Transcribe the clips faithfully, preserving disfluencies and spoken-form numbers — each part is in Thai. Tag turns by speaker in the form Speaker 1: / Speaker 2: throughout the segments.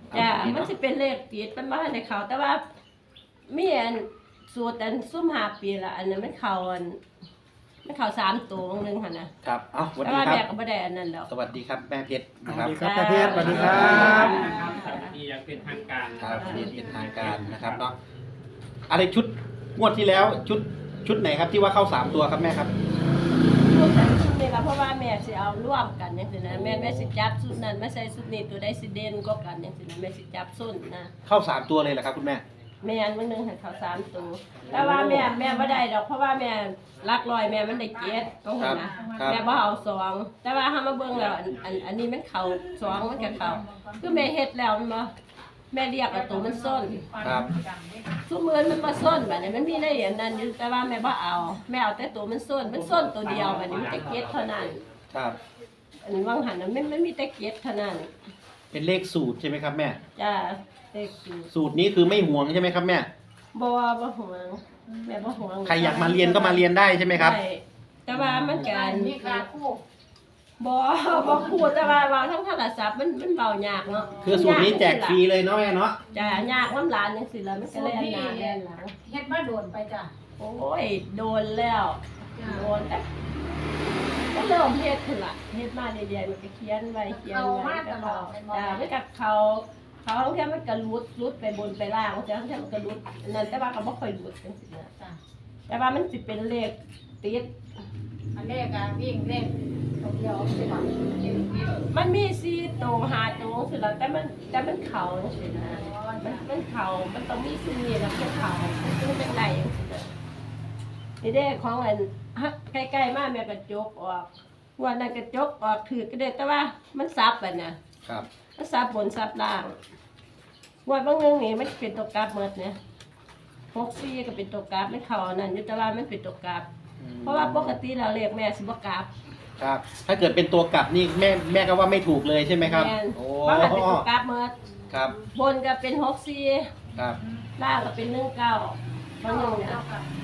Speaker 1: จ้ามันจะเป็นเลขติดมันมาในเขาแต่ว่ามีอันสูตรอันซุ่มหาปีละอันนั้นมันเขาอันมันเขาสามตัวหนึ่งค่ะนะครับ
Speaker 2: เอ้าสวัส
Speaker 1: แต่
Speaker 2: ดี
Speaker 1: ว่า
Speaker 2: ครั
Speaker 1: แม่
Speaker 2: บ
Speaker 1: ก็ไม่ได้อันนั้นแล้ว
Speaker 2: สวัสดีครับแม่เพชร
Speaker 3: ส
Speaker 2: นะค
Speaker 3: วั
Speaker 2: รั
Speaker 3: ส
Speaker 2: บ
Speaker 3: ดีครับแม่เพชรสวัสดีครับ
Speaker 4: ที่ยังเป็นทางการ
Speaker 2: ครับนี่เป็นทางการนะครับเนาะอะไรชุดงวดที่แล้วชุดชุดไหนครับที่ว่าเข้าสามตัวครับแม่ครับ
Speaker 1: ชุดนั้นชุดนี้ก็เพราะว่าแม่สิเอาร่วมกันอย่างนี้นะแม่แม่สิจับชุดนั้นไม่ใช่ชุดนี้ตัวใดสิเด่นก็กันอย่างนี้นะแม่สิจับส้นนะ
Speaker 2: เข้าสามตัวเลยเหรอครับคุณแม่
Speaker 1: แม่อันมันหนึงให้เขาสามตัวแต่ว่าแม่แม่ไม่ได้ดอกเพราะว่าแม่รักลอยแม่มันได้เจ็ดต้องเห็นนะครับ แม่บ่เอาสองแต่ว่าถ้ามาเบิ่งแล้วอันอันอันนี้มันเข่าสองมันก็เข่าคือแม่เฮ็ดแล้วมันบ่แม่เรียกเอาตัวมันส้น
Speaker 2: ครับ
Speaker 1: ทุกมือมันมาส้นแบบนี้มันมีได้อย่างนั้นอยู่แต่ว่าแม่บ่เอาแม่เอาแต่ตัวมันส้นมันส้นตัวเดียวแบบนี้มันจะเก็ดเท่านั้น
Speaker 2: ครับ
Speaker 1: อันนี้ว่างหันนะไม่ไม่มีแต่เก็ดเท่านั้น
Speaker 2: เป็นเลขสูตรใช่ไหมครับแม่
Speaker 1: จ้าเด็กอยู่
Speaker 2: สูตรนี้คือไม่ห่วงใช่ไหมครับแม่
Speaker 1: บ่บ่ห่วงแม่บ่ห่วง
Speaker 2: ใครอยากมาเรียนก็มาเรียนได้ใช่ไหมครับ
Speaker 1: ได้แต่ว่ามันการ
Speaker 5: มีค่าคู่
Speaker 1: บ่บ่พูดแต่ว่าเว้าทั้งโทรศัพท์มันมันเว้ายากเนาะ
Speaker 2: คือสูตรนี้แจกฟรีเลยเนาะแม่เนาะ
Speaker 1: จ้ายากน้ำหลานจังซี่ล่ะมันก็เลยอันหน้าแล่นหลัง
Speaker 5: เฮ็ดมาโดนไปจ้ะ
Speaker 1: โอ้ยโดนแล้วโดนแต่ก็เริ่มเฮ็ดขึ้นล่ะเฮ็ดมาเรื่อยๆมันก็เขียนไว้เขียนไว้ก็เขาจ้ามันก็เขาเขาบางทีมันก็รุดรุดไปบนไปล่างบางทีบางทีมันก็รุดนั่นแต่ว่าก็บ่ค่อยรุดจังซี่นะ
Speaker 5: จ้ะ
Speaker 1: แต่ว่ามันสิเป็นเลขติด
Speaker 5: อันแรกอะวิ่งเล่นตัวเดียวใช่ป่ะวิ่งวิ่ง
Speaker 1: มันมีสี่ตัวห้าตัวสิล่ะแต่มันแต่มันเข่าจังซี่นะมันมันเข่ามันต้องมีสิ่งนี้แล้วมันเข่ามันต้องเป็นได้จังซี่นะนี่เด้ของอันฮะใกล้ๆมาแม่กระจกออกวันนั้นกระจกออกถือก็ได้แต่ว่ามันซับอ่ะน่ะ
Speaker 2: ครับ
Speaker 1: มันซับบนซับล่างวันบางเรื่องนี่มันเป็นตัวกราฟหมดเนี่ยหกสี่ก็เป็นตัวกราฟไม่เข่าอันนั่นอยู่แต่ว่ามันเป็นตัวกราฟเพราะว่าปกติเราเรียกแม่สิบกราฟ
Speaker 2: ครับ ถ้าเกิดเป็นตัวกลับนี่แม่แม่ก็ว่าไม่ถูกเลยใช่ไหมครับ
Speaker 1: แม่น
Speaker 2: โอ้
Speaker 1: เพราะมันเป็นตัวกราฟหมด
Speaker 2: ครับ
Speaker 1: บนก็เป็นหกสี่
Speaker 2: ครับ
Speaker 1: ล่างก็เป็นหนึ่งเก้าบางอย่างเนี่ย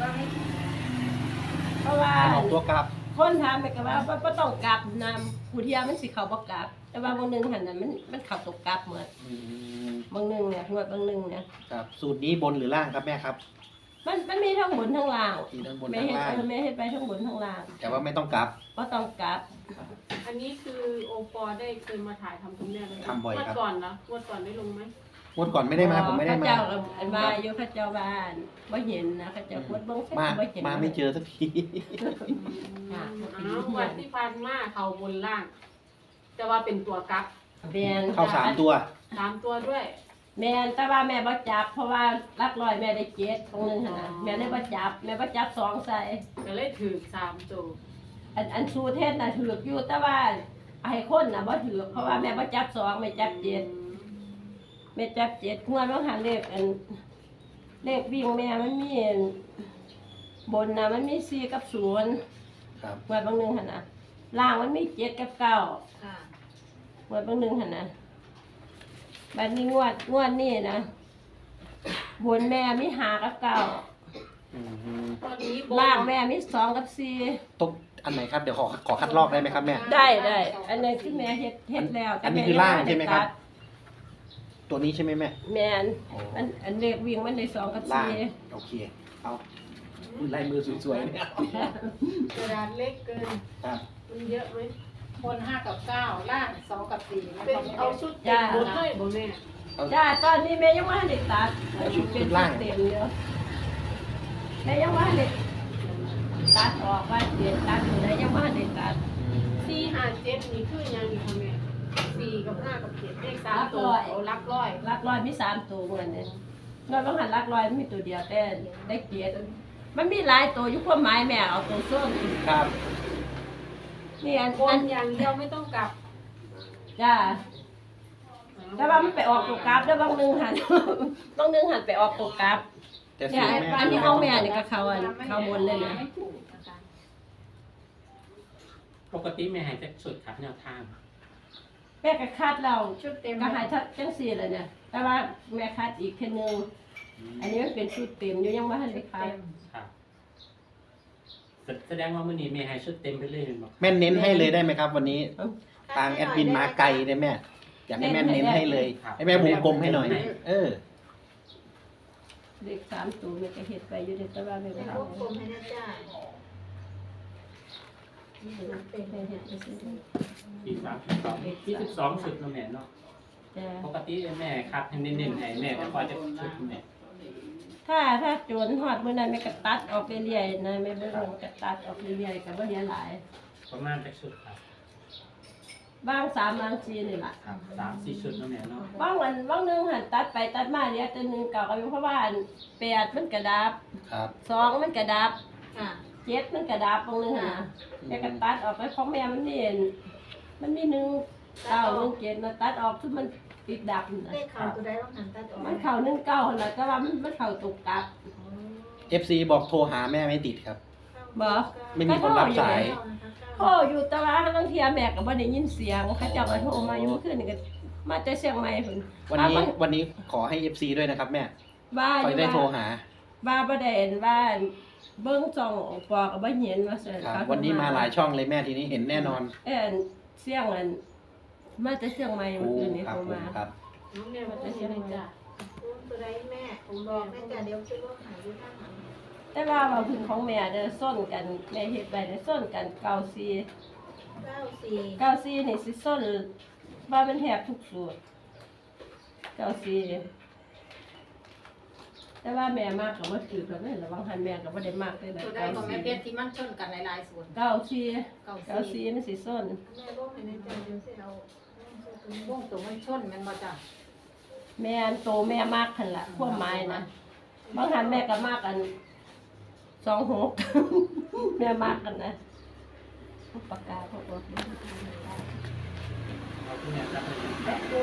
Speaker 1: เพราะว่า
Speaker 2: ออกตัวกลับ
Speaker 1: คนถามไปก็ว่าบ่ต้องกราฟนำผู้เทียมันสิเขาบ่กราฟแต่ว่าบางหนึงหันนั้นมันมันเข้าตัวกราฟหมด
Speaker 2: อืม
Speaker 1: บางหนึงเนี่ยงวดบางหนึงเนี่ย
Speaker 2: ครับสูตรนี้บนหรือล่างครับแม่ครับ
Speaker 1: มันมันมีทั้งบนทั้งล่าง
Speaker 2: มีทั้งบน
Speaker 1: แม่
Speaker 2: ทั้ง
Speaker 1: เฮ็ด
Speaker 2: ล่าง
Speaker 1: เออแม่เฮ็ดไปทั้งบนทั้งล่าง
Speaker 2: แต่ว่าไม่ต้องกลับ
Speaker 1: บ่ต้องกราฟ
Speaker 6: อันนี้คือโอปอได้เคยมาถ่ายทำคุณแม่เลย
Speaker 2: ทำบ่อยครับ
Speaker 6: งวดก่อนนะงวดก่อนได้ลงไหม
Speaker 2: งวดก่อนไม่ได้มาผมไม่ได้มา
Speaker 1: เขเจ้าก็อันมาอยู่เขาเจ้าบ้านบ่เห็นนะเขาเจ้าพูดเบิ่งเสร็จ
Speaker 2: มา
Speaker 1: บ่เห็น
Speaker 2: มาไม่เจอสักที
Speaker 6: อ้าวงวันที่ผ่านมาเขาบนล่าง แต่ว่าเป็นตัวกัก
Speaker 1: แม่น
Speaker 2: เข้าสามตัว
Speaker 6: สามตัวด้วย
Speaker 1: แม่นแต่ว่าแม่บ่จับเพราะว่าลักร้อยแม่ได้เจ็ดตรงนึงหั่นน่ะแม่เลยบ่จับแม่บ่จับสองใส่
Speaker 6: ก็เลยถือสามตัว
Speaker 1: อันอันสูเทศน่ะถือกอยู่แต่ว่าให้คนน่ะบ่ถือกเพราะว่าแม่บ่จับสองแม่จับเจ็ดแม่จับเจ็ดงวดบางหันเลขอันเลขวิ่งแม่มันมีอันบนน่ะมันมีสี่กับศูนย์
Speaker 2: ครับ
Speaker 1: งวดบางหนึงหั่นน่ะล่างมันมีเจ็ดกับเก้า
Speaker 5: ค่ะ
Speaker 1: งวดบางหนึงหั่นน่ะบัดนี้งวดงวดนี้นะบนแม่มีห้ากับเก้า
Speaker 2: อืม
Speaker 6: ตอนนี้บน
Speaker 1: ล่างแม่มีสองกับสี่
Speaker 2: ตรงอันไหนครับเดี๋ยวขอขอคัดลอกได้ไหมครับแม่
Speaker 1: ได้ได้อันนี้ที่แม่เฮ็ดเฮ็ดแล้ว
Speaker 2: อันนี้
Speaker 1: แม่
Speaker 2: คือล่างใช่ไหมครับ
Speaker 1: ด้ตัด
Speaker 2: ตัวนี้ใช่ไหมแม่
Speaker 1: แม่น
Speaker 2: โอ้
Speaker 1: อันอันเลขวิ่งมันได้สองกับ
Speaker 2: ล่าง
Speaker 1: สี่
Speaker 2: โอเคเอาลายมือสวยๆเนี่ย
Speaker 6: กระดาษเล็กเกิน
Speaker 2: ครับ
Speaker 6: มันเยอะไหม
Speaker 5: บนห้ากับเก้าล่างสองกับสี่นะ
Speaker 6: เป็นเอาชุดเต็มบนเลยบนแม่
Speaker 1: จ้าตอนนี้แม่ยังว่าได้ตัดเป็นชุดเต็มอยู่แม่ยังว่าได้ตัดออกว่าเสียตัดอยู่ได้ยังว่าได้ตัด
Speaker 6: สี่ห้าเจ็ดนี่คือยังนี่ค่ะแม่สี่กับห้ากับเจ็ดเลขสามตัวเอารักร้อย
Speaker 1: ลักลอยมีสามตัวเหมือนเนี่ยนอกจากหันลักลอยมันมีตัวเดียวแต่ได้เกียรติมันมีหลายตัวอยู่ความหมายแม่เอาตัวส้น
Speaker 2: ครับ
Speaker 1: นี่อัน
Speaker 6: บ
Speaker 1: อั
Speaker 6: น
Speaker 1: น
Speaker 6: อย่างเดียวไม่ต้องกลับ
Speaker 1: จ้าแต่ว่ามันไปออกตัวกราฟแล้วบางนึงหัน บางนึงหันไปออกตัวกราฟ
Speaker 2: แต่สู
Speaker 1: เนี่ย
Speaker 2: ตรแม่
Speaker 1: อันนี้เอาแม่นี่ก็เขาอันเขาบนเลยนะ
Speaker 5: ไม่ถูกนะคะ
Speaker 4: ปกติแม่ให้จะสุดครับแนวทาง
Speaker 1: แม่ก็คาดเรา
Speaker 5: ชุดเต็ม
Speaker 1: ก็หายทัดจังสี่เลยเนี่ยแต่ว่าแม่คาดอีกแค่นึงอันนี้มันเป็นชุดเต็มอยู่ยังไม่ทันได้คาด
Speaker 4: ครับแสแสดงว่ามื้อนี้แม่ให้ชุดเต็มไปเลยเห็นบ่
Speaker 2: แม่เน้นให้เลยได้ไหมครับ วันนี้ทางแอดมินมาไกลเลยแม่อยากให้แม่เน้นให้เลย ให้แม่วงกลมให้หน่อย เออ
Speaker 1: เลขสามตัวแม่ก็เฮ็ดไปอยู่ในตารางแม่
Speaker 5: ใน
Speaker 1: ก็
Speaker 5: พวก
Speaker 1: ทำ
Speaker 5: กลมให้นะจ้าเป็น
Speaker 1: แม่เฮ็ดไปซื่อ
Speaker 4: สี่สามสิบสองยี่สิบสองชุดเนาะแม่เนาะ
Speaker 1: ๆจ้ะ
Speaker 4: ปกติแม่คัดให้เน้นๆให้แม่ก็พอจะชุดแม่
Speaker 1: ถ้าถ้าโจรฮอดมื้อนั้นแม่ก็ตัดออกเรื่อยๆนะแม่เบิ่งมันก็ตัดออกเรื่อยๆก็บ่เหลือหลาย
Speaker 4: ประมาณจักชุดครับ
Speaker 1: บางสามบางสี่นี่ล่ะ
Speaker 4: ครับสามสี่ชุดเนาะแม่เนาะ
Speaker 1: บางวันบางหนึงหันตัดไปตัดมาเหลือตัวหนึงเก่าก็อยู่เพราะว่าอันแปดมันกระดับ
Speaker 2: ครับ
Speaker 1: สองมันกระดับ
Speaker 5: ค่ะ
Speaker 1: เจ็ดมันกระดับบางหนึงหั่นนะแม่ก็ตัดออกไปของแม่มันนี่มันมีหนึ่งเก้าหนึ่งเจ็ดมาตัดออกคือมันติดดับน่ะ
Speaker 5: เลขเขาตัวใดต้องหันตัดออก
Speaker 1: มันเข้าหนึ่งเก้าหั่นล่ะแต่ว่ามันมันเข้าตกกลับ
Speaker 2: เอฟซีบอกโทรหาแม่ไม่ติดครับ
Speaker 1: บ่
Speaker 2: ไม่มีคนรับสาย
Speaker 1: โทรอยู่แต่ว่าบางเทียแม่ก็บ่ได้ยินเสียงเขาเจ้าก็โทรมาอยู่เมื่อคืนนี่ก็มาแต่เชียงใหม่พุ่น
Speaker 2: วันนี้วันนี้ขอให้เอฟซีด้วยนะครับแม่
Speaker 1: บ้าอ
Speaker 2: คอย
Speaker 1: ยู่
Speaker 2: ได้โทร
Speaker 1: ว่า
Speaker 2: หา
Speaker 1: บ้าบ่ได้เห็นว่าเบิ่งจ่องปอก็บ่เห็นว่าซั่น
Speaker 2: ครับ
Speaker 1: เขา
Speaker 2: วันนี้มาหลายช่องเลยแม่ทีนี้เห็นแน่นอน
Speaker 1: เอ้นเสียงอันมาแต่เชียงใหม่
Speaker 2: โอ้
Speaker 1: เมื่อคืนนี้
Speaker 2: ครับ
Speaker 1: โทร
Speaker 2: ผม
Speaker 1: มา
Speaker 2: ครับ
Speaker 6: น้องแม่บอกว่าให้จ้า
Speaker 5: ตัวใดแม่ผมบอกแม่จ้าเดี๋ยวคิดว่าหายอยู่ข้างหลัง
Speaker 1: แต่ว่าว่าพื้นของแม่เด้อส้นกันแม่เฮ็ดไว้เด้อส้นกันเก้าสี่
Speaker 5: เก้าสี่
Speaker 1: เก้าสี่นี่สิส้นว่ามันแทบทุกสูตรเก้าสี่แต่ว่าแม่มากก็บ่ถือกันเลยระวังหันแม่ก็บ่ได้มากเลยนะ
Speaker 5: ตัวใด
Speaker 1: เก้า
Speaker 5: ของแม่
Speaker 1: สี่
Speaker 5: เพชรที่มันชนกันหลายๆส่วน
Speaker 1: เก้าสี่
Speaker 5: เก้า
Speaker 1: เก้า
Speaker 5: สี่
Speaker 1: สี่มันสิส้น
Speaker 5: แม่บอกให้ในใจเดี๋ยวสิเอา
Speaker 6: วงตัวมันชนมันบ่จ้า
Speaker 1: แม่อันโตแม่มากหั่นล่ะความหมายนะบางหันแม่ก็มากอันสองหก แม่มากกันนะปากกาพวก
Speaker 4: เอาที่แม่รับให้เลย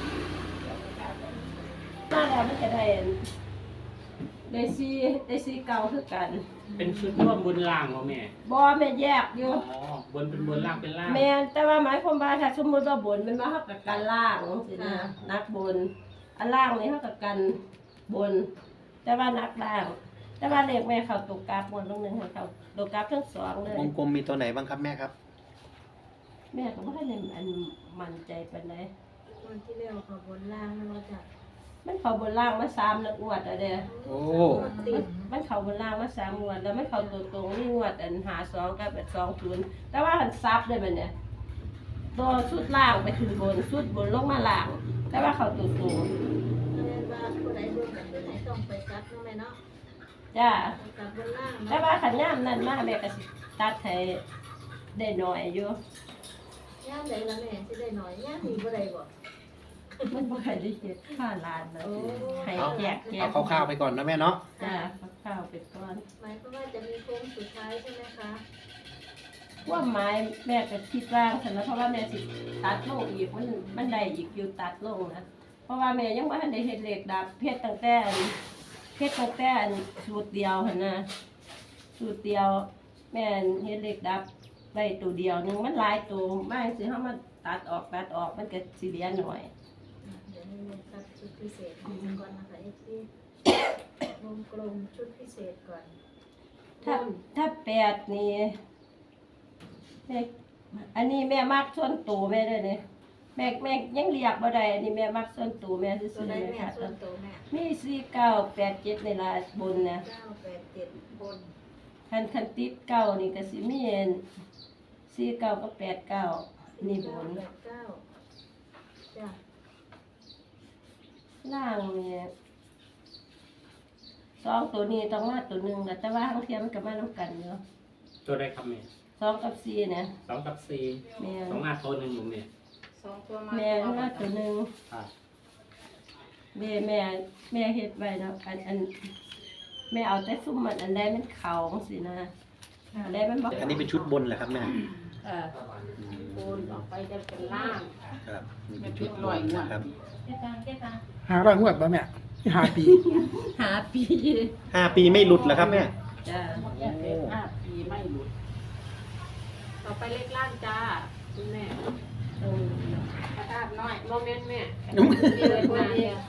Speaker 1: มาแล้วมันจะได้อันได้ซีได้ซีเก่าคือกัน
Speaker 4: เป็นชุดร่วมบนล่างเนาะแม่
Speaker 1: บ่แม่แยกอยู่
Speaker 4: อ๋อบนเป็นบนล่างเป็นล่าง
Speaker 1: แม่นแต่ว่าหมายความว่าถ้าสมมุติว่าบนมันมาเฮากับกันล่างสินะนักบน อันล่างนี่เฮากับกันบน แต่ว่านักล่าง แต่ว่าเลขแม่เข้าตกกราฟหมดลงหนึงให้เข้าตกกราฟทั้งสองเลยว
Speaker 2: งกลมมีตัวไหนบ้างครับแม่ครับ
Speaker 1: แม่ก็บ่ได้อันมั่นใจปานใด
Speaker 5: วันที่แล้วเขาบนล่างนะว่าจ้ะ
Speaker 1: มันเข้าบนล่างมาสามนักงวดแล้วเด้อ
Speaker 2: โอ้
Speaker 5: ติด
Speaker 1: มันเข้าบนล่างมาสามงวดแล้วมันเข้าตัวตรงนี่งวดอันหาสองกับแบบสองศูนย์แต่ว่าหันซับเลยมันเนี่ยตัวชุดล่างไปขึ้นบนชุดบนลงมาล่าง แต่ว่าเข้าตัวตรง
Speaker 5: แม่ว่าผู้ใดเบิ่งกันผู้ใดต้องไปจับเนาะแม่เนาะ
Speaker 1: จ้า
Speaker 5: จับบนล่าง
Speaker 1: แต่
Speaker 5: เนาะ
Speaker 1: ว่าขันย่ามนั่นมาแม่ก็สิตัดให้ได้หน่อยอยู่
Speaker 5: ย่ามใดละแม่สิได้หน่อยย่ามมีบ่ได้บ่
Speaker 1: มันบ่ค่อยได้เฮ็ดค่าร้านนะ
Speaker 5: โอ้
Speaker 1: ให้แจกแจ
Speaker 2: เอา
Speaker 1: ก
Speaker 2: คร่าวๆไปก่อนนะแม่เนาะ
Speaker 1: จ้าข้าวๆไปก่อน
Speaker 5: หมายความว่าจะมีโค้งสุดท้ายใช่ไหมคะ
Speaker 1: ว่าไม้แม่ก็คิดว่างฉันนะเพราะว่าแม่สิตัดลงอีกมันมันได้อีกอยู่ตัดลงนะเพราะว่าแม่ยังบ่ทันได้เฮ็ดเหล็กดับเพชรตั้งแต่อันเพชรตั้งแต่อันสูตรเดียวหั่นนะสูตรเดียว แม่เฮ็ดเหล็กดับได้ตัวเดียวหนึงมันหลายตัวมากสิเฮามาตัดออกตัดออกมันก็สิเหลือหน่อย
Speaker 5: เดี๋ยวนี้แม่ตัดชุดพิเศษก่อนนะคะเอฟซีวงกลมชุดพิเศษก่อน
Speaker 1: ถ้าถ้าแปดนี่แม่อันนี้แม่มักส่วนตัวแม่เด้อเนี่ยแม่แม่ยังเรียกบ่ได้อันนี้แม่มักส่วนตัวแม่ซื่
Speaker 5: ตัว
Speaker 1: อๆ
Speaker 5: ใด
Speaker 1: แม่
Speaker 5: แม่
Speaker 1: ค่ะ
Speaker 5: ส่วนตัวแม่
Speaker 1: มีสี่เก้าแปดเจ็ดนี่ล่ะบนนะ
Speaker 5: เก้าแปดเจ็ดบน
Speaker 1: คันคันติดเก้านี่ก็สิมีอันสี่เก้ากับแปดเก้านี่บน
Speaker 5: แปดเก้าจ้ะ
Speaker 1: ล่างนี่สองตัวนี้ต้องมาตัวหนึ่งล่ะแต่ว่าทั้งเทียมมันก็มานํกันอยู่
Speaker 4: ตัวใดครับแม่
Speaker 1: สองกับสี่เนี่ย
Speaker 4: สองกับสี่
Speaker 1: แม่
Speaker 4: สองมาตัวหนึ่งผมแม่
Speaker 5: สองตัวมา
Speaker 1: แม่มาตัวหนึ่ง
Speaker 4: ครับ
Speaker 1: แม่แม่แม่เฮ็ดไว้เนาะอันอันแม่เอาแต่ซุ่มมันอันใดมันเขาสินะอันใดมันบ่
Speaker 2: อันนี้เป็นชุดบนเหรอครับแม่
Speaker 1: เออ
Speaker 6: โอนออกไปจะเป็นล่าง
Speaker 2: ครับนี่เป็นชุดบนนะครับ
Speaker 5: เจ๊ตังเจ๊ตัง
Speaker 3: หาร้อยงวดป่ะแม่ที่หาปี
Speaker 1: หาปี
Speaker 2: ห้าปีไม่หลุดเหรอครับแม่
Speaker 1: จ้า
Speaker 6: ห้าปีไม่หลุดต่อไปเลขล่างจ้าคุณแม่
Speaker 1: เออก
Speaker 6: ระดาษน้อยโมเมนต์แม่
Speaker 5: มีเลยคนเดียว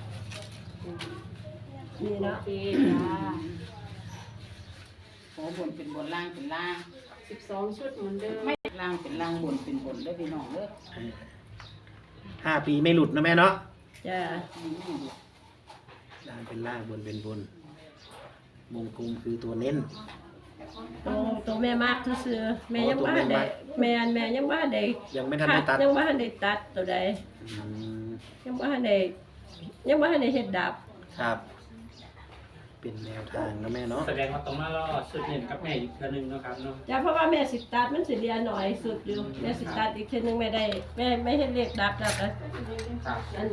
Speaker 1: นี่
Speaker 6: โอ
Speaker 1: เนาะ
Speaker 6: เคจ้า
Speaker 7: โอ้บนเป็นบนล่างเป็นล่าง
Speaker 6: สิบสองชุดเหมือนเดิม
Speaker 7: ไม่ล่างเป็นล่างบนเป็นบนเด้อพี่น้องเด้อ
Speaker 2: ห้าปีไม่หลุดนะแม่เนาะ
Speaker 1: จ้า
Speaker 2: ล่างเป็นล่างบนเป็นบนวงกลมคือตัวเน้น
Speaker 1: ตัวตัวแม่มากซื่อๆแม่ยัง
Speaker 2: อ๋อตัว
Speaker 1: บ้าน
Speaker 2: แม่
Speaker 1: ได้
Speaker 2: มาก
Speaker 1: แม่นแม่ยังบ้านได้
Speaker 2: ยังไม่ทันได้ตัด
Speaker 1: ยังบ้านได้ตัดตัวใด
Speaker 2: อืม
Speaker 1: ยังบ้านได้ยังบ้านได้เฮ็ดดับ
Speaker 2: ครับ เป็นแนวทางนะแม่เนาะ
Speaker 4: แสดงว่าต้องมารอชุดเน้นกับแม่อีกเทื่อนึงเนาะครับเนาะ
Speaker 1: จ้าเพราะว่าแม่สิตัดมันสิเรียนหน่อยสุดอยู่แม่สิตัดอีกทีนึงแม่ได้แม่ไม่เฮ็ดเลขดับแล้วก็
Speaker 4: ครับ
Speaker 1: อัน